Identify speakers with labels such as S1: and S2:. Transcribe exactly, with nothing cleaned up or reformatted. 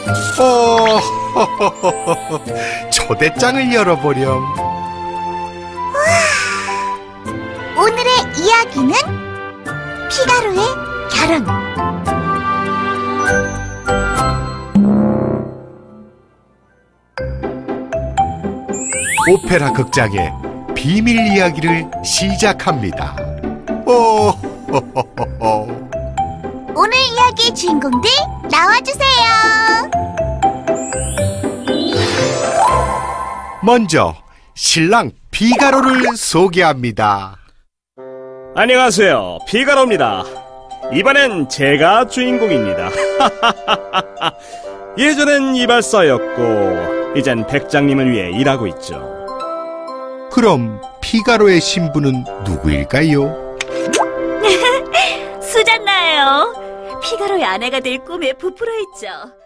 S1: 오, 초대장을 열어보렴.
S2: 오늘의 이야기는 피가로의 결혼.
S1: 오페라 극장의 비밀 이야기를 시작합니다. 오,
S2: 오늘 이야기의 주인공들 나와주세요.
S1: 먼저 신랑 피가로를 소개합니다.
S3: 안녕하세요, 피가로입니다. 이번엔 제가 주인공입니다. 예전엔 이발사였고 이젠 백장님을 위해 일하고 있죠.
S1: 그럼 피가로의 신부는 누구일까요?
S4: 수잔나예요. 피가로의 아내가 될 꿈에 부풀어 있죠.